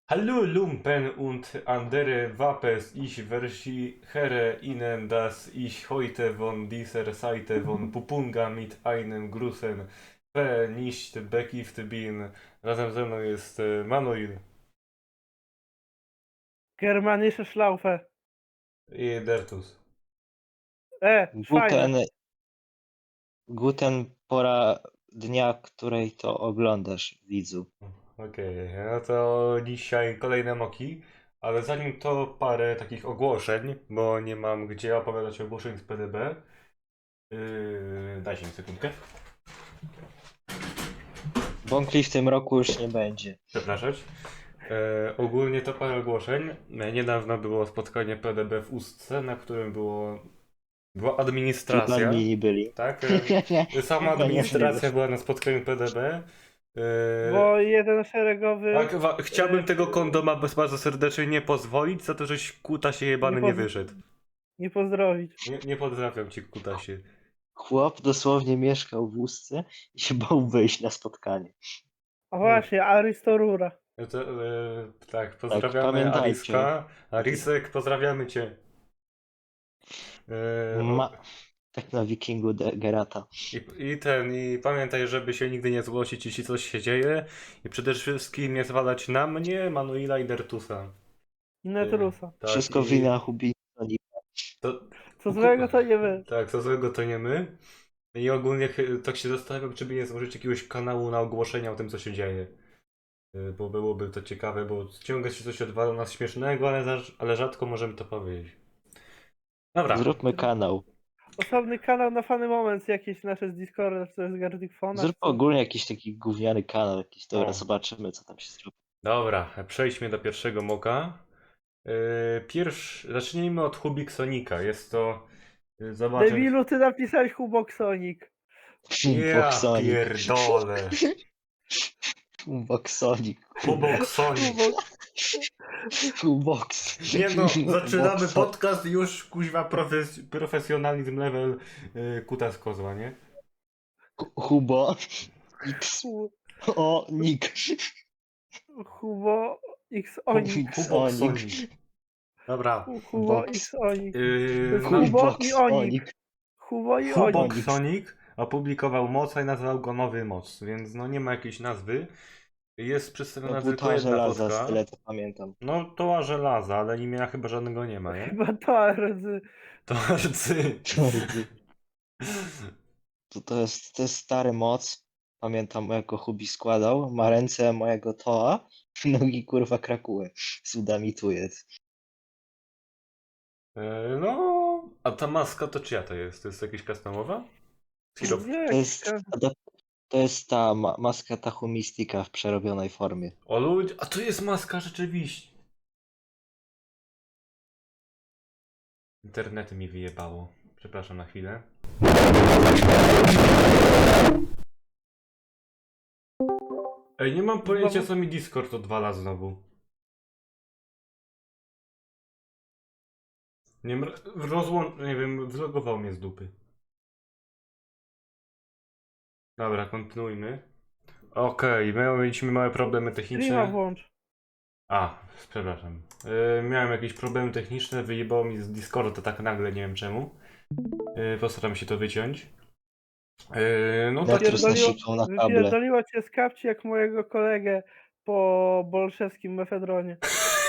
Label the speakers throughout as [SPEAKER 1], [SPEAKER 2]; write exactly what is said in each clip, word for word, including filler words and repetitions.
[SPEAKER 1] Hallo Lumpen und andere Vapes, ich versichere Ihnen, dass ich heute von dieser Seite von Pupunga mit einem großen P nicht bekifft bin. Razem ze mną jest e, Manuel
[SPEAKER 2] Germanische Schlaufe.
[SPEAKER 1] i Dertus.
[SPEAKER 2] E, fajne.
[SPEAKER 3] Guten, guten pora dnia, której to oglądasz, widzu.
[SPEAKER 1] Okej, no to dzisiaj kolejne moki, ale zanim to parę takich ogłoszeń, bo nie mam gdzie opowiadać ogłoszeń z P D B. Yy, dajcie mi sekundkę.
[SPEAKER 3] Bąkli w tym roku już nie będzie.
[SPEAKER 1] Przepraszać. E, ogólnie to parę ogłoszeń. E, niedawno było spotkanie P D B w Ustce, na którym było, była administracja.
[SPEAKER 3] Przypadni byli.
[SPEAKER 1] Tak? E, sama administracja była na spotkaniu P D B. E,
[SPEAKER 2] Bo jeden szeregowy.
[SPEAKER 1] tak, wa- chciałbym
[SPEAKER 2] e,
[SPEAKER 1] tego kondoma bez bardzo serdecznie nie pozwolić, za to, żeś kutasie jebany
[SPEAKER 2] Nie
[SPEAKER 1] nie
[SPEAKER 2] poz-
[SPEAKER 1] wyszedł.
[SPEAKER 2] Nie pozdrowić.
[SPEAKER 1] Nie, nie pozdrawiam cię, kutasie.
[SPEAKER 3] Chłop dosłownie mieszkał w Ustce i się bał wyjść na spotkanie.
[SPEAKER 2] A właśnie, Aristorura.
[SPEAKER 1] E, to, e, tak, pozdrawiamy
[SPEAKER 3] pamiętajcie.
[SPEAKER 1] Ariska. Arisek, pozdrawiamy cię. E, o-
[SPEAKER 3] Ma... Tak na wikingu de Gerata.
[SPEAKER 1] I, I ten, i pamiętaj, żeby się nigdy nie zgłosić, jeśli coś się dzieje. I przede wszystkim nie zwalać na mnie, Manuela i Dertusa.
[SPEAKER 2] I Netrusa.
[SPEAKER 1] Tak,
[SPEAKER 3] Wszystko
[SPEAKER 1] i
[SPEAKER 3] wina Hubina.
[SPEAKER 1] To,
[SPEAKER 2] Co złego to nie my.
[SPEAKER 1] tak, co złego to nie my. I ogólnie chy- tak się zastanawiam, czy by nie założyć jakiegoś kanału na ogłoszenia o tym, co się dzieje. Y, Bo byłoby to ciekawe, bo ciągle się coś odwala nas śmiesznego, ale, za, ale rzadko możemy to powiedzieć. Dobra.
[SPEAKER 3] Zróbmy kanał.
[SPEAKER 2] Osobny kanał na Funny Moments, jakieś nasze z Discorda, czy z Gardic Phona.
[SPEAKER 3] Zrób ogólnie jakiś taki gówniany kanał. Jakiś. Dobra,
[SPEAKER 1] O.
[SPEAKER 3] zobaczymy, co tam się zrobi.
[SPEAKER 1] Dobra, przejdźmy do pierwszego moka. Yy, Pierwszy, zacznijmy od Hubiksonika. Jest to. Yy, zobaczę.
[SPEAKER 2] Debilu, ty napisałeś Huboksonik.
[SPEAKER 1] Ja
[SPEAKER 3] Boksonik.
[SPEAKER 1] pierdolę.
[SPEAKER 3] Boksonik.
[SPEAKER 1] Huboksonik.
[SPEAKER 2] Hubok...
[SPEAKER 3] Boks.
[SPEAKER 1] Nie no, zaczynamy
[SPEAKER 3] Bokso-
[SPEAKER 1] podcast i już kuźwa profes profesjonalizm level yy, kutas kozła, nie?
[SPEAKER 3] Hubo. X.
[SPEAKER 2] Hu-
[SPEAKER 3] O, Nick.
[SPEAKER 2] Hubo X Onik.
[SPEAKER 1] Huboksonik. Dobra.
[SPEAKER 2] Hu- Hubo
[SPEAKER 3] Box.
[SPEAKER 2] X Onik. To
[SPEAKER 1] Yy,
[SPEAKER 2] jest
[SPEAKER 1] no,
[SPEAKER 2] Hubo
[SPEAKER 3] Box
[SPEAKER 2] i Onik.
[SPEAKER 3] Onik.
[SPEAKER 2] Hubo i Onik.
[SPEAKER 1] Huboksonik opublikował moc i nazwał go Nowy Moc, więc no nie ma jakiejś nazwy. Jest przedstawiona
[SPEAKER 3] No
[SPEAKER 1] tylko
[SPEAKER 3] buta
[SPEAKER 1] jedna
[SPEAKER 3] żelaza, z
[SPEAKER 1] fotka.
[SPEAKER 3] tyle to pamiętam.
[SPEAKER 1] No toła żelaza, ale imienia chyba żadnego nie ma, nie?
[SPEAKER 2] Chyba to rdzy.
[SPEAKER 1] To arcy.
[SPEAKER 3] To, to, jest, to jest stary moc. Pamiętam, jak go Hubi składał. Ma ręce mojego Toa, nogi kurwa Krakuły. Sudamituje.
[SPEAKER 1] E, No, a ta maska to czyja to jest? To jest jakaś customowa? Hero...
[SPEAKER 2] Nie,
[SPEAKER 3] To
[SPEAKER 2] jakiś
[SPEAKER 3] jest,
[SPEAKER 2] kan-
[SPEAKER 3] to jest ta ma maska Tachumistika w przerobionej formie.
[SPEAKER 1] O ludzie, a to jest maska rzeczywiście. Internet mi wyjebało. Przepraszam na chwilę. Ej, nie mam pojęcia,
[SPEAKER 2] Znowu?
[SPEAKER 1] co mi Discord odwala znowu. Nie wiem, rozłą... nie wiem, zlogował mnie z dupy. Dobra, kontynuujmy. Okej, okay, mieliśmy małe problemy
[SPEAKER 2] Streama
[SPEAKER 1] techniczne.
[SPEAKER 2] włącz.
[SPEAKER 1] A, przepraszam. Yy, miałem jakieś problemy techniczne, wyjebało mi z Discorda tak nagle, nie wiem czemu. Yy, postaram się to wyciąć. Yy, no tak,
[SPEAKER 3] Netrus
[SPEAKER 2] Wypierdoliło,
[SPEAKER 3] nasikał na kable.
[SPEAKER 2] wypierdoliło cię z kapci jak mojego kolegę po bolszewskim mefedronie.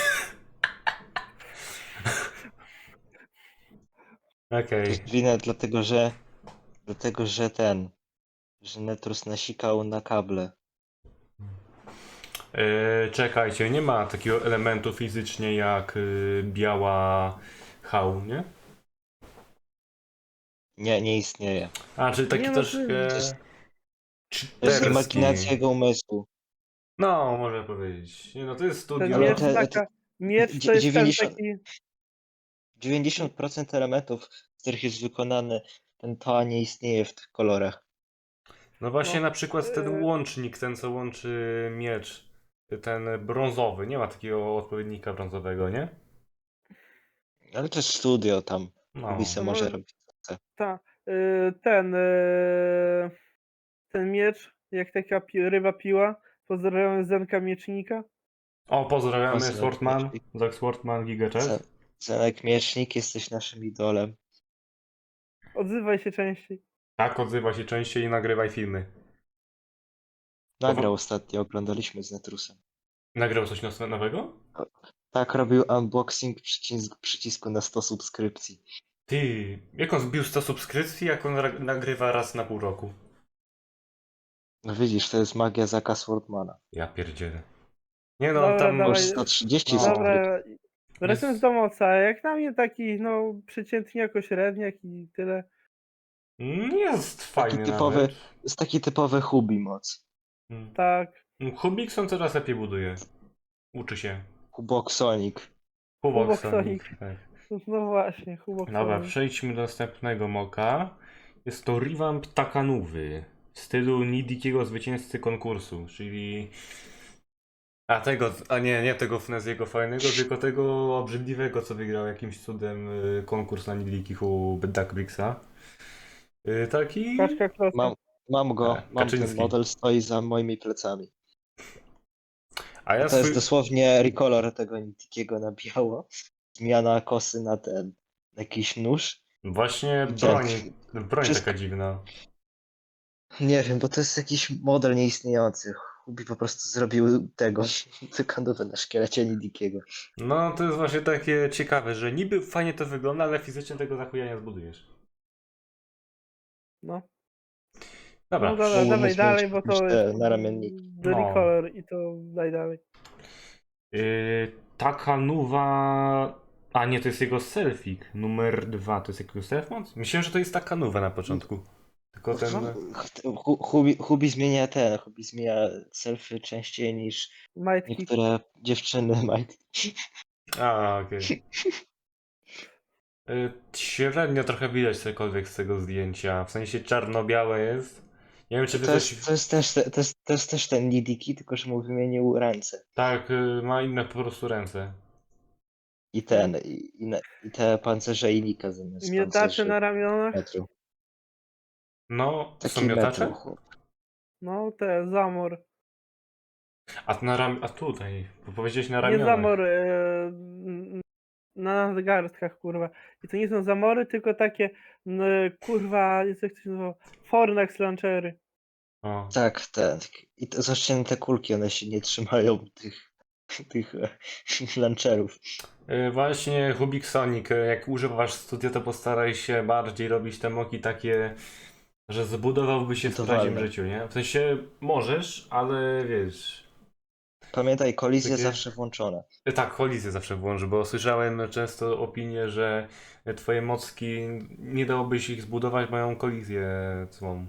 [SPEAKER 3] To
[SPEAKER 1] okej.
[SPEAKER 3] jest winę dlatego, że dlatego, że ten, że Netrus nasikał na kable.
[SPEAKER 1] Yy, czekajcie, nie ma takiego elementu fizycznie jak yy, biała hał, nie?
[SPEAKER 3] Nie, nie istnieje.
[SPEAKER 1] A, czyli taki
[SPEAKER 2] Nie, no,
[SPEAKER 1] troszkę...
[SPEAKER 2] to
[SPEAKER 3] jest- To jest
[SPEAKER 1] czyterski.
[SPEAKER 3] imaginacja jego umysłu.
[SPEAKER 1] No, można powiedzieć. Nie, no to jest
[SPEAKER 2] Ten
[SPEAKER 1] studio.
[SPEAKER 3] Ale
[SPEAKER 2] miecz,
[SPEAKER 3] te-
[SPEAKER 2] taka, miecz to
[SPEAKER 3] dzie-
[SPEAKER 2] jest ten
[SPEAKER 3] dziewięćdziesiąt
[SPEAKER 2] taki...
[SPEAKER 3] dziewięćdziesiąt procent elementów, z których jest wykonany ten Toa, nie istnieje w tych kolorach.
[SPEAKER 1] No właśnie
[SPEAKER 2] No,
[SPEAKER 1] na przykład ten
[SPEAKER 2] yy.
[SPEAKER 1] łącznik, ten co łączy miecz, ten brązowy, nie ma takiego odpowiednika brązowego, nie?
[SPEAKER 3] Ale to jest studio tam.
[SPEAKER 1] No.
[SPEAKER 3] Hubi se
[SPEAKER 2] No,
[SPEAKER 3] może robić.
[SPEAKER 2] ta, y, ten, y, ten miecz, jak taka pi ryba piła, pozdrawiam Zenka Miecznika.
[SPEAKER 1] O, pozdrawiamy
[SPEAKER 3] Pozdrawiam,
[SPEAKER 1] Swortman,
[SPEAKER 3] Miecznik.
[SPEAKER 1] Zack Swortman,
[SPEAKER 3] Ce-
[SPEAKER 1] GigaChat.
[SPEAKER 3] Zenek Miecznik, jesteś naszym idolem.
[SPEAKER 2] Odzywaj się częściej.
[SPEAKER 1] Tak, odzywa się częściej i nagrywaj filmy.
[SPEAKER 3] Nagrał
[SPEAKER 1] Powo-
[SPEAKER 3] ostatnio, oglądaliśmy z Netrusem.
[SPEAKER 1] Nagrał coś nos- nowego?
[SPEAKER 3] Tak, robił unboxing przycisk, przycisku na sto subskrypcji.
[SPEAKER 1] Ty, jak on zbił sto subskrypcji, jak on ra- nagrywa raz na pół roku?
[SPEAKER 3] No widzisz, to jest magia Zacka Swordmana.
[SPEAKER 1] Ja pierdzielę. Nie no,
[SPEAKER 2] Dobra,
[SPEAKER 1] tam...
[SPEAKER 3] Masz
[SPEAKER 2] dawaj.
[SPEAKER 3] sto trzydzieści
[SPEAKER 1] No.
[SPEAKER 3] subskrypcji.
[SPEAKER 2] Dobra, wracając do moca, jak na mnie taki, no, przeciętnie jako średniak i tyle.
[SPEAKER 1] Jest fajny
[SPEAKER 3] typowy-
[SPEAKER 1] nawet.
[SPEAKER 3] Jest taki typowy hubi moc.
[SPEAKER 1] Mm.
[SPEAKER 2] Tak,
[SPEAKER 1] Hubikson coraz lepiej buduje. Uczy się.
[SPEAKER 3] Hubok Sonic.
[SPEAKER 1] Hubok
[SPEAKER 2] Hubok
[SPEAKER 1] Sonic.
[SPEAKER 2] Sonic.
[SPEAKER 1] Tak.
[SPEAKER 2] no właśnie, Hubok
[SPEAKER 1] Dobra,
[SPEAKER 2] Sonic.
[SPEAKER 1] przejdźmy do następnego moka. Jest to revamp Takanuwy w stylu Nidikiego zwycięzcy konkursu, czyli... A tego, a nie, nie tego Fneziego fajnego, tylko tego obrzydliwego, co wygrał jakimś cudem y, konkurs na Nidikich u Duckbricksa. Y, Taki...
[SPEAKER 2] Kaczka kloska.
[SPEAKER 3] Mam, mam go,
[SPEAKER 1] Tak,
[SPEAKER 3] mam ten
[SPEAKER 1] Kaczyński.
[SPEAKER 3] model, stoi za moimi plecami.
[SPEAKER 1] A ja
[SPEAKER 3] To jest
[SPEAKER 1] swój...
[SPEAKER 3] dosłownie recolor tego Nitikiego na biało. Zmiana kosy na ten, na jakiś nóż.
[SPEAKER 1] Właśnie
[SPEAKER 3] I
[SPEAKER 1] broń,
[SPEAKER 3] tak,
[SPEAKER 1] broń
[SPEAKER 3] wszystko-
[SPEAKER 1] taka dziwna.
[SPEAKER 3] Nie wiem, bo to jest jakiś model nieistniejący. Hubi po prostu zrobił tego, tykanowę na szkielecie Nidikiego.
[SPEAKER 1] No, to jest właśnie takie ciekawe, że niby fajnie to wygląda, ale fizycznie tego za chuja nie zbudujesz.
[SPEAKER 2] No,
[SPEAKER 1] Dobra,
[SPEAKER 2] no dobra,
[SPEAKER 3] Mógłbym
[SPEAKER 2] dawaj
[SPEAKER 3] mieć
[SPEAKER 2] dalej, bo to
[SPEAKER 3] te
[SPEAKER 2] jest
[SPEAKER 3] naramienniki.
[SPEAKER 2] The
[SPEAKER 1] No.
[SPEAKER 2] Recolor i to daj dalej.
[SPEAKER 1] Yy, Takanuwa... A nie, to jest jego selfik numer dwa. To jest jego selfmod? Myślałem, że to jest Takanuwa na początku. Tylko ten...
[SPEAKER 3] Hu- Hubi, Hubi zmienia ten, Hubi zmienia selfy częściej niż
[SPEAKER 2] Might Kick.
[SPEAKER 3] niektóre dziewczyny Might.
[SPEAKER 1] A, okej. Yy, Średnio trochę widać cokolwiek z tego zdjęcia. W sensie czarno-białe jest. Nie wiem, czy wy
[SPEAKER 3] To
[SPEAKER 1] coś...
[SPEAKER 3] jest, to jest też, te- to jest, to jest też ten Nidiki, tylko że mu wymienił ręce.
[SPEAKER 1] Tak, yy, ma inne po prostu ręce.
[SPEAKER 3] I ten, i, i, na- i te pancerze i lika zamiast
[SPEAKER 2] Miotacze
[SPEAKER 3] pancerzy
[SPEAKER 2] na ramionach.
[SPEAKER 3] metru.
[SPEAKER 1] No, to są
[SPEAKER 3] Taki
[SPEAKER 1] miotacze?
[SPEAKER 3] metru, chłop.
[SPEAKER 2] No, te zamor.
[SPEAKER 1] A, na ram... A tutaj, bo powiedziałeś na
[SPEAKER 2] Nie
[SPEAKER 1] ramionach.
[SPEAKER 2] zamor e, na nadgarstkach, kurwa. I to nie są zamory, tylko takie, n, kurwa, jest jak to się nazywa, Fornax launchery.
[SPEAKER 1] O.
[SPEAKER 3] Tak, ten. I to zacięte kulki, one się nie trzymają tych, tych e, launcherów.
[SPEAKER 1] Yy, Właśnie Hubik Sonic, yy, jak używasz studia, to postaraj się bardziej robić te moki takie, że zbudowałby się w
[SPEAKER 3] Budowalne.
[SPEAKER 1] prawdziwym życiu, nie? W sensie możesz, ale wiesz...
[SPEAKER 3] Pamiętaj, kolizje
[SPEAKER 1] Takie-
[SPEAKER 3] zawsze włączone.
[SPEAKER 1] Yy, Tak, kolizję zawsze włącz, bo słyszałem często opinię, że twoje mocki nie dałoby się ich zbudować, mają kolizję złą.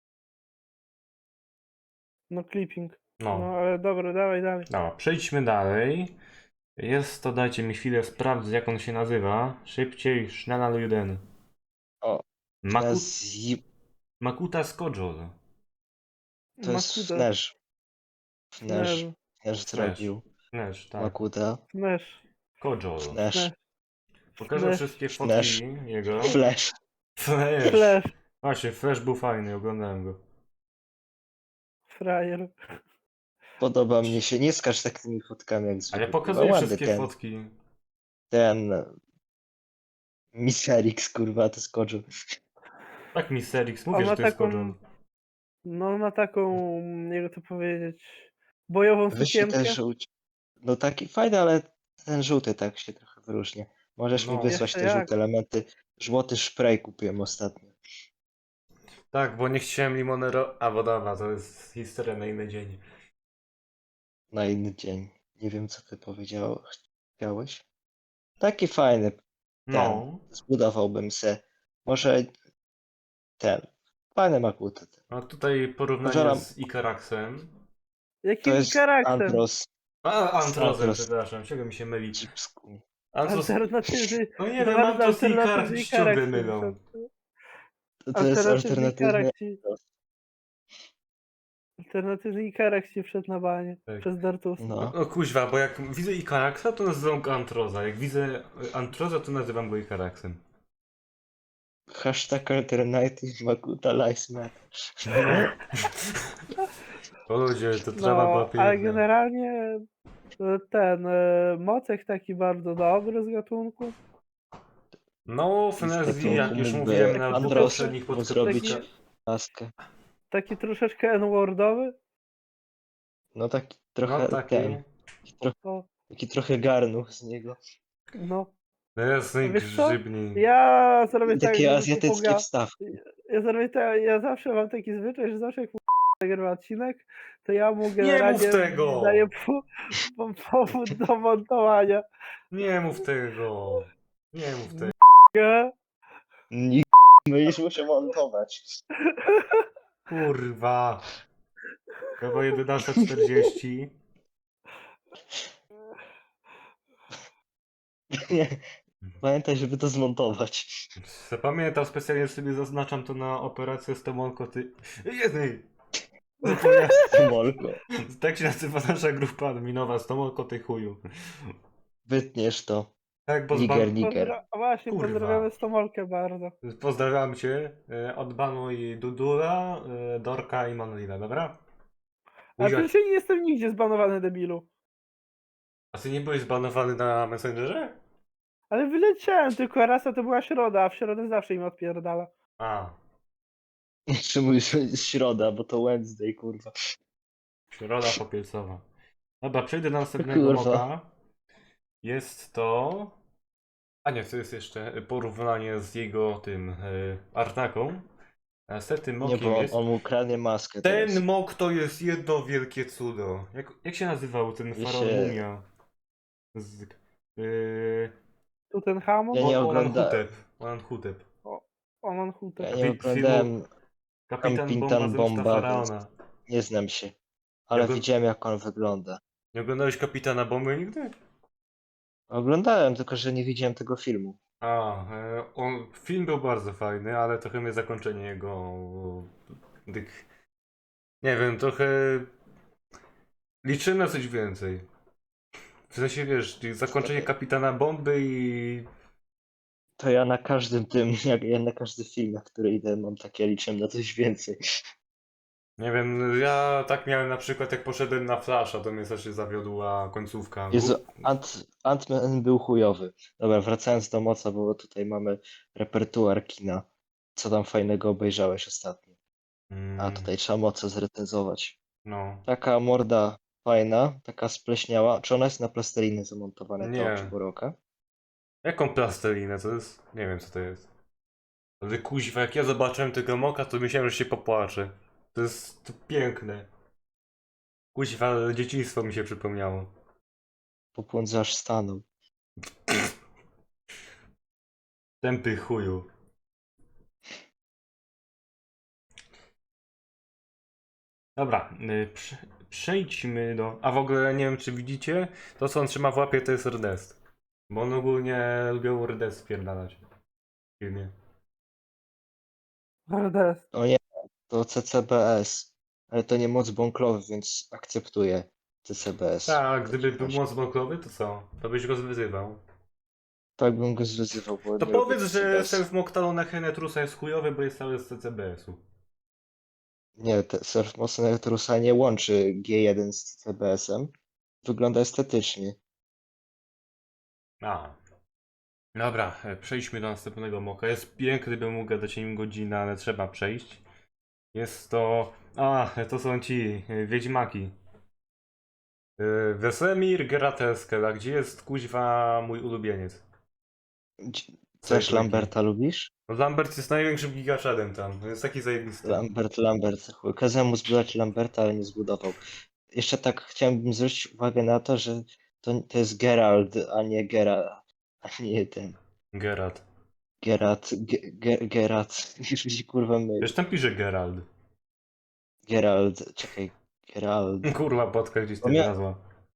[SPEAKER 2] No, clipping.
[SPEAKER 1] No.
[SPEAKER 2] No, ale dobra, dawaj dalej.
[SPEAKER 1] Dobra, przejdźmy dalej. Jest to, dajcie mi chwilę, sprawdzę jak on się nazywa. Szybciej, schneller jeden.
[SPEAKER 3] O,
[SPEAKER 1] Maku...
[SPEAKER 3] Teraz zi-
[SPEAKER 1] Makuta Skojol.
[SPEAKER 3] to jest
[SPEAKER 2] Makuda.
[SPEAKER 3] Fnerz. Fnerz.
[SPEAKER 2] Fnerz.
[SPEAKER 3] Fnerz zrobił.
[SPEAKER 1] Nesz, tak.
[SPEAKER 3] Makuda.
[SPEAKER 2] Fnerz.
[SPEAKER 1] Kojol.
[SPEAKER 3] Fnerz.
[SPEAKER 2] Fnerz.
[SPEAKER 1] Pokażę
[SPEAKER 2] Flash.
[SPEAKER 1] wszystkie
[SPEAKER 3] Flash.
[SPEAKER 1] fotki jego.
[SPEAKER 3] Flash.
[SPEAKER 1] Flash.
[SPEAKER 2] Flash.
[SPEAKER 1] Właśnie, Flash był fajny, oglądałem go.
[SPEAKER 2] Frajer.
[SPEAKER 3] Podoba mnie się. Nie skacz tak tymi fotkami jak zwykle.
[SPEAKER 1] Ale pokazuję
[SPEAKER 3] Ładny
[SPEAKER 1] wszystkie
[SPEAKER 3] ten,
[SPEAKER 1] fotki.
[SPEAKER 3] ten Miserix, kurwa, to skoczył.
[SPEAKER 1] Tak mi Serix
[SPEAKER 2] On
[SPEAKER 1] mówię,
[SPEAKER 2] ma
[SPEAKER 1] że to jest
[SPEAKER 2] taką,
[SPEAKER 1] Kojol.
[SPEAKER 2] no ma taką, jakby to powiedzieć, bojową
[SPEAKER 3] Wyślij
[SPEAKER 2] sukienkę.
[SPEAKER 3] ten żółć. No taki fajny, ale ten żółty tak się trochę wyróżnia. Możesz
[SPEAKER 1] No.
[SPEAKER 3] mi wysłać
[SPEAKER 2] Jeszcze
[SPEAKER 3] te
[SPEAKER 2] jak.
[SPEAKER 3] żółte elementy. Złoty spray kupiłem ostatnio.
[SPEAKER 1] Tak, bo nie chciałem Limonero... A, bo dobra, to jest historia na inny dzień.
[SPEAKER 3] Na inny dzień. Nie wiem, co ty powiedział. Chciałeś? Taki fajny.
[SPEAKER 1] No.
[SPEAKER 3] Zbudowałbym se. Może ten. Fajny Makuta.
[SPEAKER 1] A tutaj porównanie
[SPEAKER 3] Pożaram-
[SPEAKER 1] z Ikaraxem.
[SPEAKER 3] To
[SPEAKER 2] Jakim
[SPEAKER 3] jest
[SPEAKER 2] charakterem?
[SPEAKER 3] Andros.
[SPEAKER 1] A, Antrozem,
[SPEAKER 3] Andros.
[SPEAKER 1] przepraszam, czego mi się myli.
[SPEAKER 3] Chipsku.
[SPEAKER 1] Antros...
[SPEAKER 2] Alternatywny.
[SPEAKER 1] No nie wiem, Antros i Ikarax mi się ciągle mylą.
[SPEAKER 3] To, to jest
[SPEAKER 2] Alternatywny
[SPEAKER 3] alternatywny.
[SPEAKER 2] Ikarax ci... Alternatywny Ikarax ci wszedł na banie.
[SPEAKER 1] Tak.
[SPEAKER 2] Przez Dartusa.
[SPEAKER 3] No.
[SPEAKER 1] No kuźwa, bo jak widzę Ikaraxa, to nazywam go Antroza. Jak widzę Antroza, to nazywam go Ikaraxem.
[SPEAKER 3] Hashtag alternative Makuta Lives Matter.
[SPEAKER 1] No. O ludzie, to trawa była
[SPEAKER 2] No, ale
[SPEAKER 1] piękna.
[SPEAKER 2] generalnie e, ten e, Mocek taki bardzo dobry z gatunku.
[SPEAKER 1] No, w
[SPEAKER 3] I z
[SPEAKER 1] Nezji, jak
[SPEAKER 3] gatunku
[SPEAKER 1] już
[SPEAKER 3] mógłby
[SPEAKER 1] mówiłem na
[SPEAKER 2] Andros
[SPEAKER 1] poprzednich
[SPEAKER 3] mu
[SPEAKER 1] podcastach,
[SPEAKER 3] zrobić
[SPEAKER 2] taki-
[SPEAKER 3] laskę.
[SPEAKER 2] Taki troszeczkę N-wordowy.
[SPEAKER 3] No taki
[SPEAKER 1] no
[SPEAKER 3] trochę
[SPEAKER 1] taki,
[SPEAKER 3] ten, taki, tro,
[SPEAKER 2] O,
[SPEAKER 3] taki trochę garnuch z niego.
[SPEAKER 2] no.
[SPEAKER 1] jasny
[SPEAKER 2] Wiesz co?
[SPEAKER 1] grzybni.
[SPEAKER 2] Ja zrobię
[SPEAKER 3] I
[SPEAKER 2] tak,
[SPEAKER 3] takie
[SPEAKER 2] żeby
[SPEAKER 3] azjatyckie
[SPEAKER 2] popoga...
[SPEAKER 3] wstawki.
[SPEAKER 2] Ja zrobię tak, ja zawsze mam taki zwyczaj, że zawsze jak nagrywa odcinek, to ja mu
[SPEAKER 1] Nie mów
[SPEAKER 2] generalnie
[SPEAKER 1] tego!
[SPEAKER 2] daję po, po, powód do montowania.
[SPEAKER 1] Nie mów tego! Nie mów tego.
[SPEAKER 2] Nie?
[SPEAKER 3] Nikt będziesz musiał montować.
[SPEAKER 1] Kurwa. Chyba jedenasta czterdzieści.
[SPEAKER 3] Nie. Pamiętaj, żeby to zmontować.
[SPEAKER 1] Zapamiętam, specjalnie sobie zaznaczam to na operację z Tomolko, ty... Jednej! Zapomniałem.
[SPEAKER 3] Molko.
[SPEAKER 1] Tak się nazywa nasza grupa adminowa, z Tomolko ty chuju.
[SPEAKER 3] Wytniesz to.
[SPEAKER 1] Tak, bo
[SPEAKER 3] Niger,
[SPEAKER 1] zban...
[SPEAKER 3] niger.
[SPEAKER 2] Pozdra- właśnie,
[SPEAKER 1] Kurwa.
[SPEAKER 2] pozdrawiamy Stomolkę bardzo.
[SPEAKER 1] Pozdrawiam cię. e, Odbanuj Dudula, e, Dorka i Manolina, dobra?
[SPEAKER 2] A
[SPEAKER 1] Buzia-
[SPEAKER 2] przecież ja nie jestem nigdzie zbanowany, debilu.
[SPEAKER 1] A ty nie byłeś zbanowany na Messengerze?
[SPEAKER 2] Ale wyleciałem, tylko raz, a to była środa, a w środę zawsze im odpierdala.
[SPEAKER 1] A,
[SPEAKER 3] Jeszcze mówisz, że jest środa, bo to Wednesday, kurwa.
[SPEAKER 1] środa popielcowa. Dobra, przejdę do następnego
[SPEAKER 3] Kurwa.
[SPEAKER 1] moka. Jest to... A nie, to jest jeszcze porównanie z jego tym y, Artaką. Następnym
[SPEAKER 3] Nie,
[SPEAKER 1] mokiem
[SPEAKER 3] bo on,
[SPEAKER 1] jest...
[SPEAKER 3] on mu kradnie maskę teraz.
[SPEAKER 1] Ten mok to jest jedno wielkie cudo. Jak, jak się nazywał ten
[SPEAKER 3] Ja
[SPEAKER 1] faraon
[SPEAKER 3] się-
[SPEAKER 1] mumia? Z... Y,
[SPEAKER 2] Tutenhamon?
[SPEAKER 3] Ja nie
[SPEAKER 1] O-
[SPEAKER 3] ogląda-
[SPEAKER 1] Olanhutep. Olanhutep.
[SPEAKER 2] Oman Hutep.
[SPEAKER 3] Ja
[SPEAKER 1] Kapi-
[SPEAKER 3] nie oglądałem,
[SPEAKER 1] Kapitan
[SPEAKER 3] Kapitan
[SPEAKER 1] Bomba, zemsta
[SPEAKER 3] Bomba,
[SPEAKER 1] faraona.
[SPEAKER 3] nie znam się. Ale
[SPEAKER 1] Ja go-
[SPEAKER 3] widziałem, jak on wygląda.
[SPEAKER 1] Nie oglądałeś Kapitana Bomby nigdy?
[SPEAKER 3] Oglądałem, tylko że nie widziałem tego filmu.
[SPEAKER 1] A, e, on, film był bardzo fajny, ale trochę mnie zakończenie jego... Tych, nie wiem, trochę... Liczyłem na coś więcej. W sensie, wiesz, zakończenie Kapitana Bomby i...
[SPEAKER 3] To ja na każdym tym, jak ja na każdy film, na który idę, mam takie, liczę na coś więcej.
[SPEAKER 1] Nie wiem, ja tak miałem na przykład, jak poszedłem na Flasha, to mnie strasznie zawiodła końcówka.
[SPEAKER 3] Jezu,
[SPEAKER 1] Gó-
[SPEAKER 3] Ant, Ant-Man był chujowy. Dobra, wracając do moca, bo tutaj mamy repertuar kina. Co tam fajnego obejrzałeś ostatnio? A
[SPEAKER 1] Mm,
[SPEAKER 3] tutaj trzeba moce zrecenzować.
[SPEAKER 1] No.
[SPEAKER 3] Taka morda fajna, taka spleśniała. Czy ona jest na plastelinę zamontowana,
[SPEAKER 1] Nie.
[SPEAKER 3] ta oczy Boroka?
[SPEAKER 1] Jaką plastelinę? To jest... Nie wiem, co to jest. Ale kuźwa, jak ja zobaczyłem tego moka, to myślałem, że się popłaczę. To jest to piękne. Kuźwa, dzieciństwo mi się przypomniało.
[SPEAKER 3] Popłądza aż stanął.
[SPEAKER 1] Tępy chuju. Dobra, y, prze, przejdźmy do... A w ogóle nie wiem, czy widzicie, to co on trzyma w łapie to jest rdest. Bo on ogólnie lubią rdest spierdalać. W filmie.
[SPEAKER 2] Hardest.
[SPEAKER 3] O nie, to C C B S. Ale to nie moc bąklowy, więc akceptuję C C B S.
[SPEAKER 1] Tak, gdyby był moc bąklowy, to co? To byś go zwyzywał.
[SPEAKER 3] Tak bym go zwyzywał, bo
[SPEAKER 1] To
[SPEAKER 3] nie lubię
[SPEAKER 1] powiedz,
[SPEAKER 3] C C B
[SPEAKER 1] że
[SPEAKER 3] S.
[SPEAKER 1] self Moktalona Henetrusa jest chujowy, bo jest cały z C C B S-u.
[SPEAKER 3] Nie, te Surf Mocno Netrusa nie łączy G jeden z C C B S-em. Wygląda estetycznie.
[SPEAKER 1] A. Dobra, e, przejdźmy do następnego moka. Jest piękny, bym mógł gadać o nim godzinę, ale trzeba przejść. Jest to... A, to są ci e, Wiedźmaki. E, Wesemir Geralt a gdzie jest kuźwa mój ulubieniec?
[SPEAKER 3] Dzi-
[SPEAKER 1] Co
[SPEAKER 3] Też
[SPEAKER 1] jest
[SPEAKER 3] Lamberta lubisz?
[SPEAKER 1] No Lambert jest największym gigaczadem tam, on jest taki zajebisty.
[SPEAKER 3] Lambert, Lambert. Chuj, kazałem mu zbudować Lamberta, ale nie zbudował. Jeszcze tak chciałem zwrócić uwagę na to, że to, to jest Gerald, a nie Gera, a nie ten.
[SPEAKER 1] Geralt.
[SPEAKER 3] Gerat, Ge- Ge- Gerat. Już mi się kurwa myli.
[SPEAKER 1] Wiesz, tam pisze Gerald.
[SPEAKER 3] Gerald, czekaj. Gerald.
[SPEAKER 1] Kurwa, podka gdzieś
[SPEAKER 3] O
[SPEAKER 1] tam
[SPEAKER 3] nie.
[SPEAKER 1] znalazła.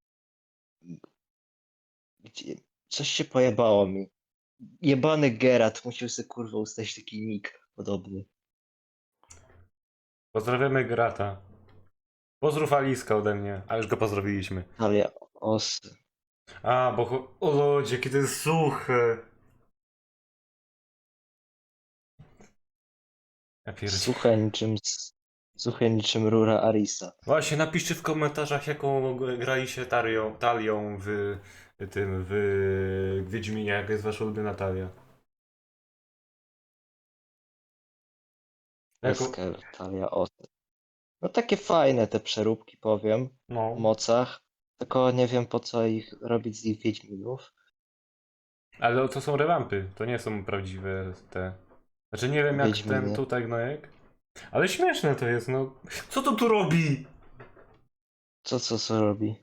[SPEAKER 3] Gdzie... Coś się pojebało mi. Jebany Gerat, musiał sobie kurwa ustać taki nick podobny.
[SPEAKER 1] Pozdrawiamy Gerata. Pozdrów Aliska ode mnie, a już go pozdrowiliśmy.
[SPEAKER 3] Ale osy.
[SPEAKER 1] A, bo... cho- O ludzie, kiedy jest suche. Ja pierdolę.
[SPEAKER 3] Suche niczym, s- suche niczym rura Arisa.
[SPEAKER 1] Właśnie napiszcie w komentarzach, jaką graliście talią, talią w tym, w Wiedźminie, jaka jest wasza ulubiona talia. Jaką...
[SPEAKER 3] Wesker, talia, Oster. No takie fajne te przeróbki, powiem, o
[SPEAKER 1] No,
[SPEAKER 3] mocach. Tylko nie wiem po co ich robić z ich Wiedźminów.
[SPEAKER 1] ale to są rewampy, to nie są prawdziwe te... Znaczy nie wiem jak ten
[SPEAKER 3] Wiedźminy.
[SPEAKER 1] tutaj gnojek, ale śmieszne to jest, no. Co to tu robi?
[SPEAKER 3] Co, co, co robi?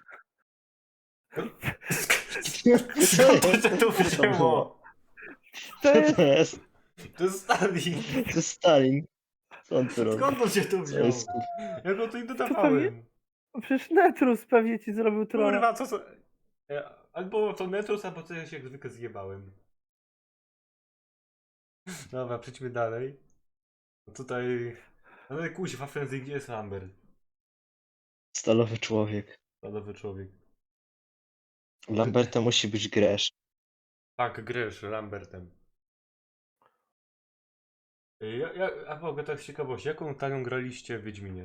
[SPEAKER 1] Skąd to się tu
[SPEAKER 3] Co to było?
[SPEAKER 1] wzięło?
[SPEAKER 2] To
[SPEAKER 3] Co
[SPEAKER 2] jest,
[SPEAKER 3] to jest?
[SPEAKER 1] To jest Stalin.
[SPEAKER 3] To jest Stalin. Co on tu robi?
[SPEAKER 1] Skąd on się tu
[SPEAKER 3] Co
[SPEAKER 1] wziął?
[SPEAKER 3] jest?
[SPEAKER 1] Ja go tu i
[SPEAKER 2] pewnie-
[SPEAKER 1] dodawałem.
[SPEAKER 2] przecież Netrus pewnie ci zrobił trolla.
[SPEAKER 1] Kurwa, co to... E, Albo to Netrus, albo to ja się jak zwykle zjebałem. Dobra, przejdźmy dalej. No tutaj... No ale kuźwa, Frenzy, gdzie jest Lambert?
[SPEAKER 3] Stalowy człowiek.
[SPEAKER 1] Stalowy człowiek.
[SPEAKER 3] Lamberta musi być Gresz.
[SPEAKER 1] Tak, Gresz, Lambertem. E, Ja, ja, a mogę tak z ciekawości, jaką talią graliście w Wiedźminie?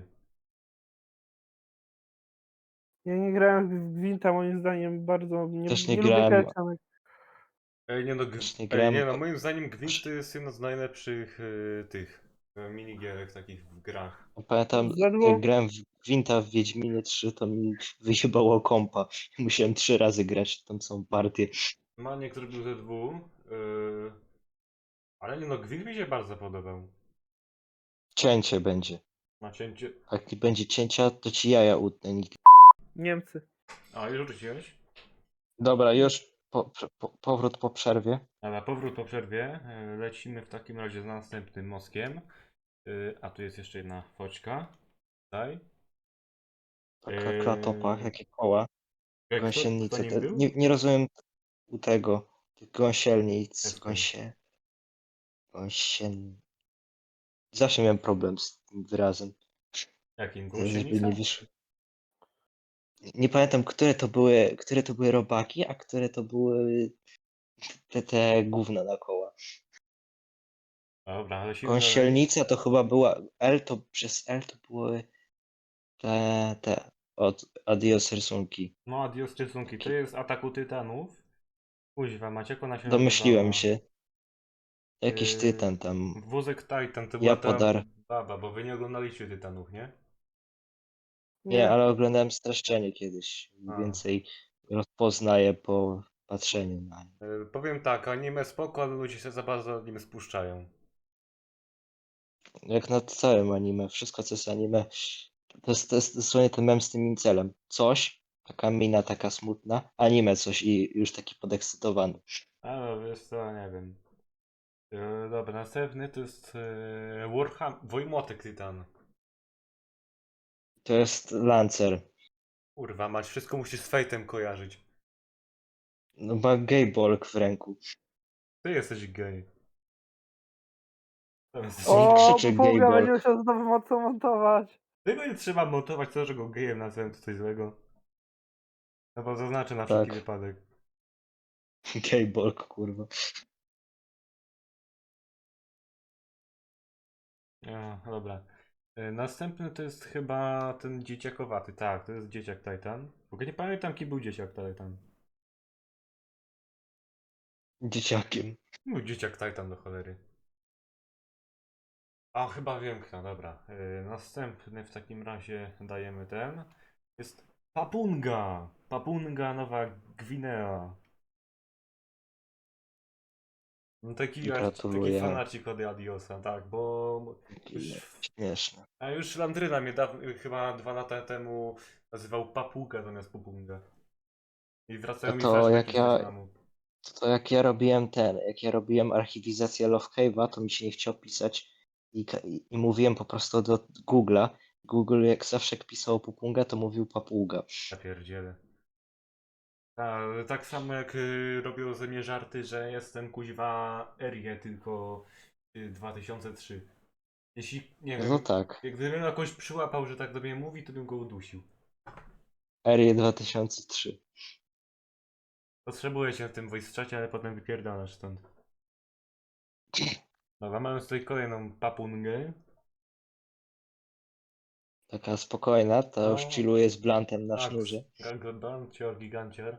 [SPEAKER 2] Ja nie grałem w Gwinta, moim zdaniem bardzo nie,
[SPEAKER 3] Też nie
[SPEAKER 2] nie lubię
[SPEAKER 3] grałem.
[SPEAKER 2] karcianek.
[SPEAKER 1] Ej, nie no, g-
[SPEAKER 3] Też nie
[SPEAKER 1] Ej,
[SPEAKER 3] grałem.
[SPEAKER 1] nie no, moim zdaniem Gwint to jest jedna z najlepszych y, tych y, minigierek takich w grach.
[SPEAKER 3] Pamiętam,
[SPEAKER 2] Zjadło?
[SPEAKER 3] jak grałem w Gwinta w Wiedźminie trzy, to mi wyjebało kompa. Musiałem trzy razy grać tą samą partię.
[SPEAKER 1] Maniek zrobił Z W, y, ale nie no, Gwint mi się bardzo podobał.
[SPEAKER 3] Cięcie będzie.
[SPEAKER 1] Ma cięcie...
[SPEAKER 3] Jak nie będzie cięcia, to ci jaja utnę. nigdy.
[SPEAKER 2] Niemcy.
[SPEAKER 1] A, już rzuciłeś?
[SPEAKER 3] Dobra, już po, po, powrót po przerwie.
[SPEAKER 1] A na powrót po przerwie y, lecimy w takim razie z następnym moskiem. Y, a tu jest jeszcze jedna foczka. Tutaj.
[SPEAKER 3] Taka
[SPEAKER 1] Yy,
[SPEAKER 3] klatopa, takie koła.
[SPEAKER 1] Kto, kto
[SPEAKER 3] Gąsienice.
[SPEAKER 1] nim
[SPEAKER 3] Te,
[SPEAKER 1] był?
[SPEAKER 3] nie, nie rozumiem u tego. Tych gąsielnic.
[SPEAKER 1] Jestem.
[SPEAKER 3] Gąsie. Gąsien. Zawsze miałem problem z tym wyrazem.
[SPEAKER 1] Jakim?
[SPEAKER 3] Żeby
[SPEAKER 1] Gąsienica?
[SPEAKER 3] nie wyszło. Nie pamiętam, które to były, które to były robaki, a które to były te, te gówna na koła.
[SPEAKER 1] Dobra, lecimy dalej.
[SPEAKER 3] Gąsielnica to chyba była L, to przez L to były te, te od Adios rysunki.
[SPEAKER 1] No, adios rysunki. To jest Ataku Tytanów. Kuźwa, macie jak ona się
[SPEAKER 3] Domyśliłem
[SPEAKER 1] nazywała?
[SPEAKER 3] się. Jakiś
[SPEAKER 1] Yy,
[SPEAKER 3] tytan tam.
[SPEAKER 1] Wózek Titan to
[SPEAKER 3] Ja
[SPEAKER 1] była ta
[SPEAKER 3] podar.
[SPEAKER 1] baba, bo wy nie oglądaliście Tytanów, nie?
[SPEAKER 3] Nie,
[SPEAKER 2] Nie.
[SPEAKER 3] ale oglądałem streszczenie kiedyś. I
[SPEAKER 1] A.
[SPEAKER 3] więcej rozpoznaję po patrzeniu na nie.
[SPEAKER 1] Yy, powiem tak, anime spoko, ale ludzie się za bardzo nim spuszczają.
[SPEAKER 3] Jak nad całym anime, wszystko co jest anime, to jest, to jest dosłownie ten mem z tym incelem. Coś, taka mina taka smutna, anime coś i już taki podekscytowany.
[SPEAKER 1] A no, wiesz co, nie wiem. Yy, dobra, następny to jest yy, Warham... Wojmotek Tytan.
[SPEAKER 3] To jest Lancer.
[SPEAKER 1] Kurwa, mać, wszystko musisz z Fate'em kojarzyć.
[SPEAKER 3] No ma gaybolk w ręku.
[SPEAKER 1] Ty jesteś gej. To jest...
[SPEAKER 3] O!
[SPEAKER 2] O,
[SPEAKER 3] krzyczy
[SPEAKER 2] Puga
[SPEAKER 3] Gable.
[SPEAKER 2] będzie musiał znowu mocno montować.
[SPEAKER 1] Tego nie trzeba montować, to, że go gejem nazwałem, to coś złego. No bo zaznaczę na wszelki
[SPEAKER 3] Tak.
[SPEAKER 1] wypadek.
[SPEAKER 3] Gaybolk, kurwa.
[SPEAKER 1] O, dobra. E, Następny to jest chyba ten dzieciakowaty. Tak, to jest dzieciak Titan. W ogóle nie pamiętam, kim był dzieciak Titan.
[SPEAKER 3] Dzieciakiem.
[SPEAKER 1] Był dzieciak Titan do cholery. A, chyba wiem kto, dobra. E, Następny w takim razie dajemy ten. Jest Papunga. Papunga Nowa Gwinea. No taki, taki
[SPEAKER 3] Gratuluję.
[SPEAKER 1] fanacik od Adiosa, tak, bo już,
[SPEAKER 3] Śmieszne.
[SPEAKER 1] a już Landryna mnie daw, chyba dwa lata temu nazywał Papuga zamiast Pupunga. I wracają
[SPEAKER 3] No
[SPEAKER 1] mi
[SPEAKER 3] to
[SPEAKER 1] flashbacki
[SPEAKER 3] jak
[SPEAKER 1] z
[SPEAKER 3] ja-
[SPEAKER 1] Wietnamu.
[SPEAKER 3] To jak ja robiłem ten, jak ja robiłem archiwizację Love Cave'a, to mi się nie chciało pisać i, ka- i, i mówiłem po prostu do Google'a. Google jak zawsze jak pisało Pupunga, to mówił Papuga.
[SPEAKER 1] Ja pierdzielę. A, tak samo jak y, robią ze mnie żarty, że jestem kuźwa Erie, tylko y, dwa tysiące trzy. Jeśli, nie
[SPEAKER 3] No
[SPEAKER 1] wiem,
[SPEAKER 3] to tak.
[SPEAKER 1] jak gdybym jakoś przyłapał, że tak do mnie mówi, to bym go udusił.
[SPEAKER 3] Erie dwa tysiące trzy.
[SPEAKER 1] Potrzebuję cię w tym voice czacie, ale potem wypierdalasz stąd. Dobra, mamy tutaj kolejną papungę.
[SPEAKER 3] Taka spokojna, to już
[SPEAKER 1] No.
[SPEAKER 3] chilluje z blantem na
[SPEAKER 1] Tak,
[SPEAKER 3] sznurze.
[SPEAKER 1] Gancior, Gigancior.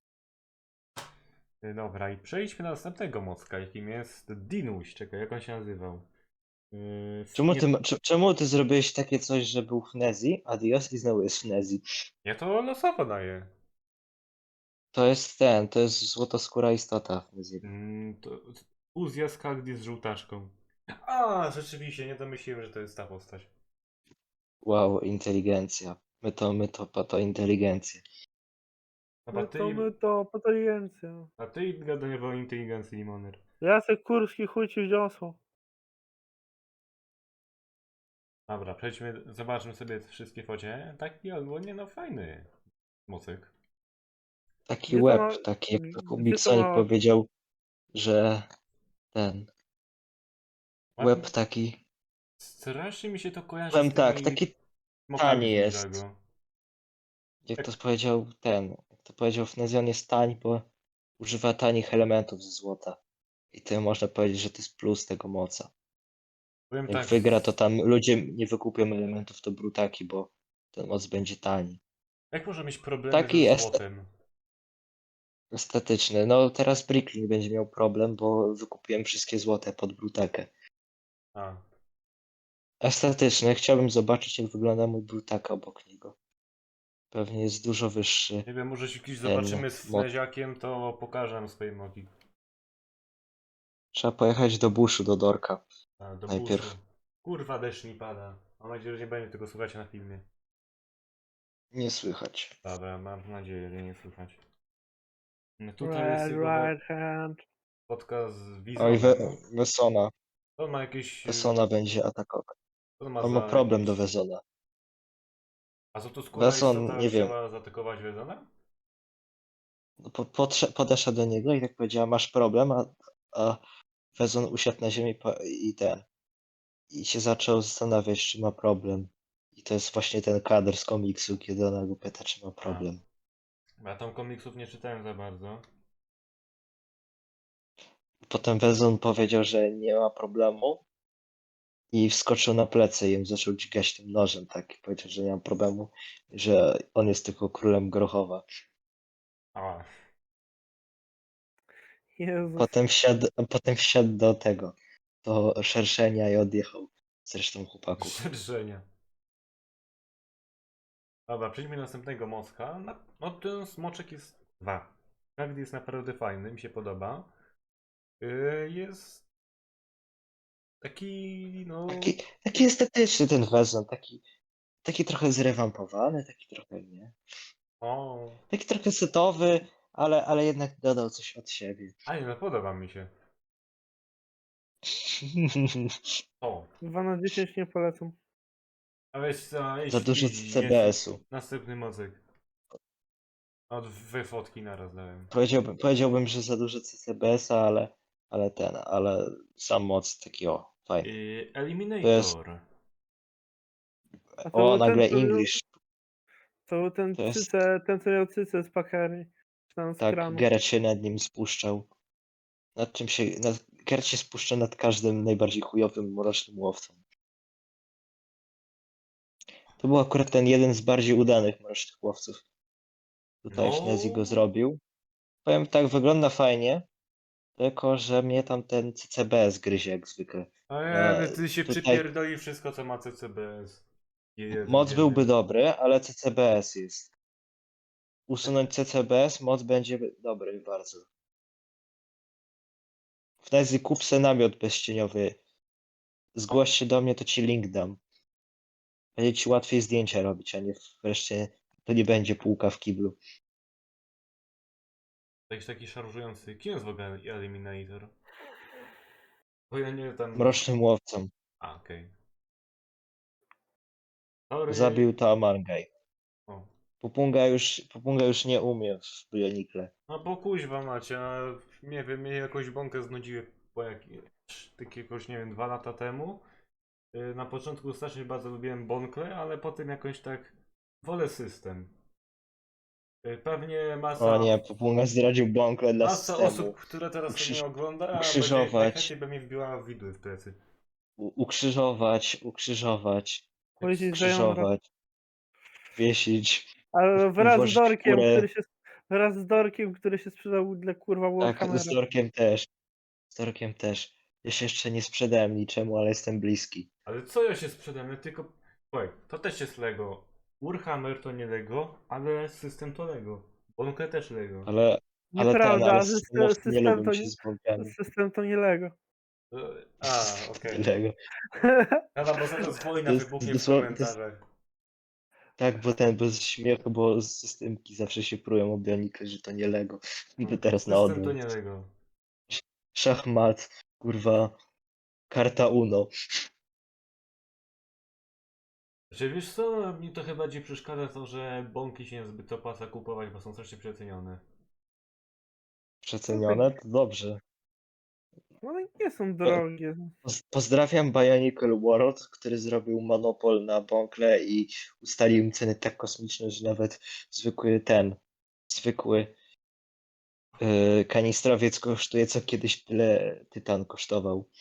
[SPEAKER 1] Y, Dobra, i przejdźmy do następnego mocka, jakim jest Dinuś. Czekaj, jak on się nazywał? Yy,
[SPEAKER 3] Czemu
[SPEAKER 1] nie,
[SPEAKER 3] ty, ma- cze- czemu ty zrobiłeś takie coś, że był Fnezji, Adios i znowu jest Fnezji?
[SPEAKER 1] ja to losowo daję.
[SPEAKER 3] To jest ten, to jest złotoskóra istota Fnezji.
[SPEAKER 1] Mm, to fuzja z Kagdi z żółtaczką. A, rzeczywiście, nie domyśliłem, że to jest ta postać.
[SPEAKER 3] Wow, inteligencja. My to, my to, po to inteligencja.
[SPEAKER 1] Dobra,
[SPEAKER 2] My
[SPEAKER 1] ty,
[SPEAKER 2] to, my to, potoligencja.
[SPEAKER 1] a ty gadanie o inteligencji, Limoner.
[SPEAKER 2] Jacek Kurski chuj ci wziąsło.
[SPEAKER 1] Dobra, przejdźmy, zobaczmy sobie te wszystkie focie. Taki ogólnie, no fajny mocyk.
[SPEAKER 3] Taki
[SPEAKER 2] Gdzie to
[SPEAKER 3] łeb,
[SPEAKER 2] ma-
[SPEAKER 3] taki jak
[SPEAKER 2] gdzie to
[SPEAKER 3] Kubiksonik
[SPEAKER 2] ma-
[SPEAKER 3] powiedział, że ten łeb
[SPEAKER 1] Ładny.
[SPEAKER 3] taki,
[SPEAKER 1] Strasznie mi się to kojarzy
[SPEAKER 3] powiem
[SPEAKER 1] z
[SPEAKER 3] tak,
[SPEAKER 1] tymi
[SPEAKER 3] taki
[SPEAKER 1] smokami
[SPEAKER 3] tani
[SPEAKER 1] z
[SPEAKER 3] jest.
[SPEAKER 1] Ninjago.
[SPEAKER 3] Jak to powiedział ten, jak to powiedział Fnezji, on jest tań, bo używa tanich elementów ze złota. I to można powiedzieć, że to jest plus tego moca.
[SPEAKER 1] Powiem
[SPEAKER 3] Jak
[SPEAKER 1] tak,
[SPEAKER 3] wygra, to tam ludzie nie wykupią elementów, to brutaki, bo ten moc będzie tani.
[SPEAKER 1] jak może mieć problemy
[SPEAKER 3] Taki
[SPEAKER 1] ze
[SPEAKER 3] jest
[SPEAKER 1] złotem?
[SPEAKER 3] estetyczny. No teraz Bricklin będzie miał problem, bo wykupiłem wszystkie złote pod brutakę.
[SPEAKER 1] A,
[SPEAKER 3] Estetyczny. Chciałbym zobaczyć, jak wygląda mój brutaka obok niego. Pewnie jest dużo wyższy.
[SPEAKER 1] nie wiem, może się kiedyś
[SPEAKER 3] Ten
[SPEAKER 1] zobaczymy z
[SPEAKER 3] moc.
[SPEAKER 1] Fneziakiem, to pokażę nam swoje mogi.
[SPEAKER 3] Trzeba pojechać do buszu, do Dorka.
[SPEAKER 1] A, do
[SPEAKER 3] Najpierw.
[SPEAKER 1] buszu. Kurwa, deszcz mi pada. Mam nadzieję, że nie będzie tego słuchać na filmie.
[SPEAKER 3] Nie słychać.
[SPEAKER 1] Dobra, mam nadzieję, że nie słychać. No tutaj jest
[SPEAKER 2] Red
[SPEAKER 1] jego
[SPEAKER 2] right hand.
[SPEAKER 1] podcast z
[SPEAKER 3] Oj,
[SPEAKER 1] Wizonem.
[SPEAKER 3] We Wesona.
[SPEAKER 1] To ma jakieś...
[SPEAKER 3] Wesona będzie atakować.
[SPEAKER 1] To ma
[SPEAKER 3] On ma
[SPEAKER 1] za
[SPEAKER 3] problem
[SPEAKER 1] jakieś...
[SPEAKER 3] do Wezona.
[SPEAKER 1] A co to skóra
[SPEAKER 3] Weson,
[SPEAKER 1] istota
[SPEAKER 3] nie wiem.
[SPEAKER 1] chciała zaatakować Wezona?
[SPEAKER 3] No, Po, podsze- podeszła do niego i tak powiedziała, masz problem, a, a Wezon usiadł na ziemi po- i ten. I się zaczął zastanawiać, czy ma problem. I to jest właśnie ten kadr z komiksu, kiedy ona go pyta, czy ma problem.
[SPEAKER 1] Ja tam komiksów nie czytałem za bardzo.
[SPEAKER 3] Potem Wezon powiedział, że nie ma problemu i wskoczył na plecy i ją zaczął dźgać tym nożem, tak. I powiedział, że nie ma problemu, że on jest tylko królem Grochowa.
[SPEAKER 1] A,
[SPEAKER 2] Jezus.
[SPEAKER 3] Potem wsiadł, potem wsiadł do tego, do szerszenia i odjechał z resztą chłopaków.
[SPEAKER 1] szerzenia. Dobra, przejdźmy do następnego mocka. Na- No ten smoczek jest dwa. Każdy jest naprawdę fajny, mi się podoba. Yy, jest taki, no...
[SPEAKER 3] Taki, taki estetyczny ten Wezon, taki, taki trochę zrewampowany, taki trochę nie.
[SPEAKER 1] O,
[SPEAKER 3] Taki trochę setowy, ale, ale jednak dodał coś od siebie.
[SPEAKER 1] a nie, no podoba mi się. O,
[SPEAKER 2] dwa na dziesięć nie polecam.
[SPEAKER 1] a weź za, idź
[SPEAKER 3] Za dużo
[SPEAKER 1] wpisz,
[SPEAKER 3] C B S-u.
[SPEAKER 1] jest następny mocek. O, dwie fotki naraz dałem.
[SPEAKER 3] Powiedziałbym, powiedziałbym, że za dużo C B S-a, ale, ale ten, ale sam moc taki o, fajny.
[SPEAKER 1] Yy,
[SPEAKER 3] To
[SPEAKER 1] Eliminator.
[SPEAKER 2] A to
[SPEAKER 3] O,
[SPEAKER 2] był ten,
[SPEAKER 3] nagle
[SPEAKER 2] co miał-
[SPEAKER 3] English.
[SPEAKER 2] To był ten
[SPEAKER 3] To jest-
[SPEAKER 2] cyce, ten co miał cyce z pakery. Czy tam z
[SPEAKER 3] Tak,
[SPEAKER 2] kranu.
[SPEAKER 3] Geralt się nad nim spuszczał. Nad czym się, nad, Geralt się spuszcza nad każdym najbardziej chujowym, mrocznym łowcą. To był akurat ten jeden z bardziej udanych mrocznych łowców. Tutaj
[SPEAKER 1] No.
[SPEAKER 3] Fnezji go zrobił. Powiem tak, wygląda fajnie, tylko że mnie tam ten C C B S gryzie jak zwykle.
[SPEAKER 1] A nie,
[SPEAKER 3] E,
[SPEAKER 1] ty się
[SPEAKER 3] tutaj-
[SPEAKER 1] przypierdoli wszystko, co ma C C B S. Jezu,
[SPEAKER 3] Moc
[SPEAKER 1] biedny.
[SPEAKER 3] byłby dobry, ale C C B S jest. Usunąć C C B S, moc będzie dobry bardzo. Fnezji, kup se namiot bezcieniowy. Zgłoś się do mnie, to ci link dam. Będzie ci łatwiej zdjęcia robić, a nie wreszcie to nie będzie półka w kiblu.
[SPEAKER 1] Jakiś taki szarżujący. Kim jest w ogóle Eliminator? Bo ja nie tam...
[SPEAKER 3] Mrocznym łowcą.
[SPEAKER 1] A, okej. Sorry.
[SPEAKER 3] Zabił to Amangaj.
[SPEAKER 1] O.
[SPEAKER 3] Pupunga już, Pupunga już nie umie w Bionikle.
[SPEAKER 1] No bo kuźwa macie, a nie wiem, mnie jakąś bąkę znudziły po jak... tak jakoś, nie wiem, dwa lata temu. Yy, Na początku strasznie bardzo lubiłem Bonkle, ale potem jakoś tak wolę system. Yy, Pewnie masa,
[SPEAKER 3] O nie, Pupunga zdradził bąkle dla
[SPEAKER 1] masa
[SPEAKER 3] systemu.
[SPEAKER 1] osób, które teraz
[SPEAKER 3] Ukrzyż-
[SPEAKER 1] mnie ogląda, a
[SPEAKER 3] ukrzyżować.
[SPEAKER 1] będzie, najchętniej by mi wbiła widły w plecy.
[SPEAKER 3] U- Ukrzyżować, ukrzyżować.
[SPEAKER 2] Powiedzieć, że ją robi.
[SPEAKER 3] skrzyżować, wiesić,
[SPEAKER 2] Ale wraz z
[SPEAKER 3] włożyć w
[SPEAKER 2] Dorkiem,
[SPEAKER 3] kurę.
[SPEAKER 2] który się wraz z Dorkiem, który się sprzedał dla kurwa
[SPEAKER 3] Tak, z
[SPEAKER 2] Warhammera.
[SPEAKER 3] Dorkiem też. Z Dorkiem też. Ja się jeszcze nie sprzedałem niczemu, ale jestem bliski.
[SPEAKER 1] Ale co ja się sprzedam? Ja tylko... Słuchaj, to też jest Lego. Warhammer to nie Lego, ale system to Lego. Bonkę też Lego.
[SPEAKER 3] Ale, ale ten,
[SPEAKER 2] Nieprawda,
[SPEAKER 3] ale
[SPEAKER 2] sys-
[SPEAKER 3] systemowcy nie
[SPEAKER 2] system
[SPEAKER 3] lubią
[SPEAKER 2] to
[SPEAKER 3] się
[SPEAKER 2] nie,
[SPEAKER 3] z bogami.
[SPEAKER 2] system to nie Lego.
[SPEAKER 1] E, A, okej.
[SPEAKER 3] Lego.
[SPEAKER 1] Dobra, bo zaraz
[SPEAKER 3] To
[SPEAKER 1] wojna
[SPEAKER 3] jest
[SPEAKER 1] wybuchnie w
[SPEAKER 3] dosłownie- to jest-
[SPEAKER 1] komentarzach.
[SPEAKER 3] Tak, bo ten bez śmiechu, bo z systemki zawsze się prują o Bionicle, że to nie Lego. I teraz na
[SPEAKER 1] System to
[SPEAKER 3] odwrót.
[SPEAKER 1] nie Lego.
[SPEAKER 3] Szachmat, kurwa, karta Uno.
[SPEAKER 1] Czy wiesz co, mi to chyba bardziej przeszkadza to, że bonki się niezbyt opłaca kupować, bo są strasznie przecenione.
[SPEAKER 3] Przecenione? To dobrze.
[SPEAKER 2] One nie są drogie.
[SPEAKER 3] Poz- Pozdrawiam Bionicle World, który zrobił monopol na bąkle i ustalił im ceny tak kosmiczne, że nawet zwykły ten, zwykły yy, kanistrowiec kosztuje co kiedyś tyle tytan kosztował.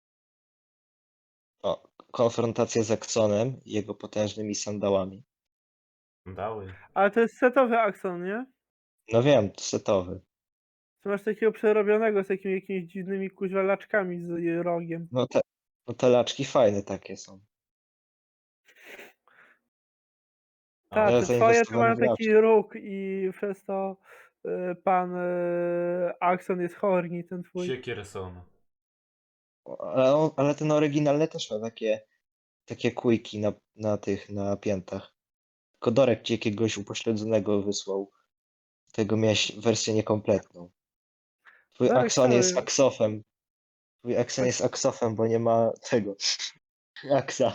[SPEAKER 3] O, konfrontacja z Axonem i jego potężnymi sandałami.
[SPEAKER 1] Dały.
[SPEAKER 2] Ale to jest setowy Axon, nie?
[SPEAKER 3] No wiem, to setowy.
[SPEAKER 2] Czy masz takiego przerobionego z jakimi, jakimiś dziwnymi kuźwa laczkami z y, rogiem.
[SPEAKER 3] No te, no te laczki fajne takie są.
[SPEAKER 2] Tak,
[SPEAKER 3] Ja
[SPEAKER 2] te twoje to
[SPEAKER 3] zainwestowałem
[SPEAKER 2] mają
[SPEAKER 3] w laczki.
[SPEAKER 2] taki róg i przez to y, pan y, Axon jest horny, ten twój.
[SPEAKER 1] Siekier są.
[SPEAKER 3] Ale, on, ale ten oryginalny też ma takie, takie kujki na, na tych, na piętach. Tylko Dorek ci jakiegoś upośledzonego wysłał. Tego miałeś wersję niekompletną. Twój
[SPEAKER 2] Dorek
[SPEAKER 3] Axon jest
[SPEAKER 2] cały-
[SPEAKER 3] aksofem. Twój Axon jest aksofem, bo nie ma tego. Aksa.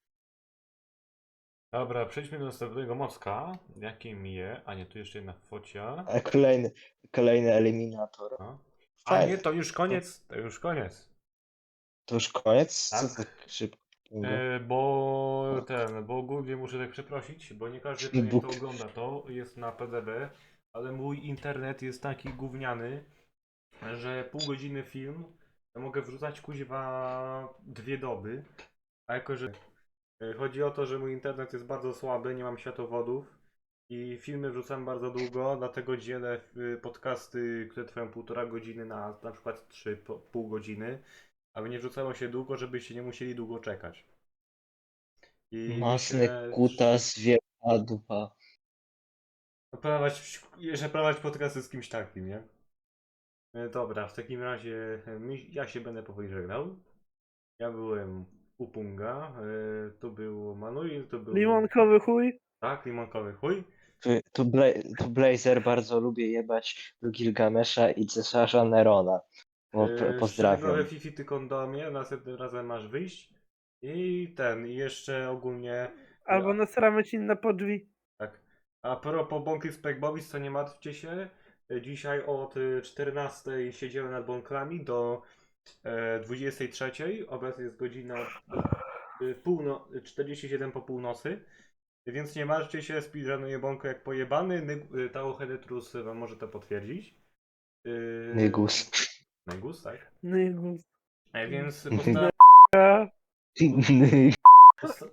[SPEAKER 1] Dobra, przejdźmy do następnego mocka. Jakim je? A nie, tu jeszcze jedna focia.
[SPEAKER 3] A kolejny, kolejny eliminator.
[SPEAKER 1] No. A
[SPEAKER 3] Fajne.
[SPEAKER 1] nie, to już koniec. To już koniec.
[SPEAKER 3] To już koniec? Co
[SPEAKER 1] Tak.
[SPEAKER 3] tak szybko?
[SPEAKER 1] E, bo ten, bo ogólnie muszę tak przeprosić, bo nie każdy pewnie to
[SPEAKER 3] Bóg.
[SPEAKER 1] ogląda. To jest na P D B, ale mój internet jest taki gówniany, że pół godziny film ja mogę wrzucać kuźwa dwie doby. A jako, że e, chodzi o to, że mój internet jest bardzo słaby, nie mam światłowodów i filmy wrzucam bardzo długo, dlatego dzielę y, podcasty, które trwają półtora godziny na na przykład trzy po- pół godziny, aby nie wrzucało się długo, żebyście nie musieli długo czekać. I
[SPEAKER 3] Masny
[SPEAKER 1] myślę,
[SPEAKER 3] kutas, wielka dupa.
[SPEAKER 1] że prowadzić, jeszcze prowadzić podcasty z kimś takim, nie? E, Dobra, w takim razie e, mi- ja się będę powoli żegnał. Ja byłem Upunga, e, tu był Manuel, tu był...
[SPEAKER 2] Limonkowy chuj.
[SPEAKER 1] Tak, limonkowy chuj.
[SPEAKER 3] Tu, tu, Bla tu Blazer bardzo lubię jebać do Gilgamesza i cesarza Nerona. O,
[SPEAKER 1] E,
[SPEAKER 3] p- pozdrawiam.
[SPEAKER 1] Szczegółowe Fifi ty kondomie, następnym razem masz wyjść. I ten, i jeszcze ogólnie...
[SPEAKER 2] Albo nasramy ci na po drzwi.
[SPEAKER 1] Tak. A propos Bąki Spekbowic, to nie martwcie się. Dzisiaj od y, czternastej siedziałem nad bąklami do e, dwudziestej trzeciej. Obecnie jest godzina y, półno czterdzieści siedem po północy. Więc nie martwcie się, speedrunuję bąkę jak pojebany. Ny- y, Tao Hedetrus wam może to potwierdzić. Yy,
[SPEAKER 3] Nygus.
[SPEAKER 1] Nygus, tak.
[SPEAKER 2] Nygus.
[SPEAKER 1] E, więc postaram...
[SPEAKER 2] A,
[SPEAKER 1] Posta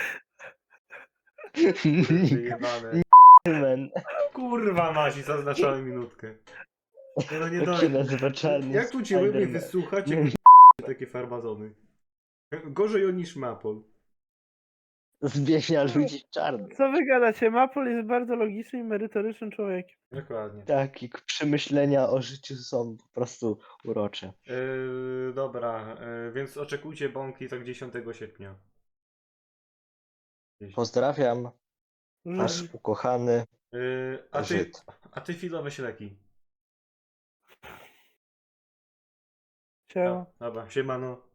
[SPEAKER 1] wyjebane.
[SPEAKER 3] Men.
[SPEAKER 1] Kurwa Mazi, zaznaczałem minutkę. Nie no nie
[SPEAKER 3] Jak
[SPEAKER 1] daj.
[SPEAKER 3] się nazywa czarny
[SPEAKER 1] Jak tu cię lepiej
[SPEAKER 3] Spiderman?
[SPEAKER 1] wysłuchać, jak takie farmazony. Gorzej o niż Mapol.
[SPEAKER 3] Zmienia ludzi w czarnych.
[SPEAKER 2] co wy gadacie? Mapol jest bardzo logicznym i merytorycznym człowiekiem.
[SPEAKER 1] Dokładnie.
[SPEAKER 3] Tak, i przemyślenia o życiu są po prostu urocze.
[SPEAKER 1] Yy, dobra, yy, więc oczekujcie bąki tak dziesiątego sierpnia. Gdzieś.
[SPEAKER 3] Pozdrawiam, wasz
[SPEAKER 2] Żydzi.
[SPEAKER 3] ukochany
[SPEAKER 1] Yy, a ty,
[SPEAKER 3] Żyd.
[SPEAKER 1] a ty filowe śleki.
[SPEAKER 2] Siema.
[SPEAKER 1] Dobra, siemano.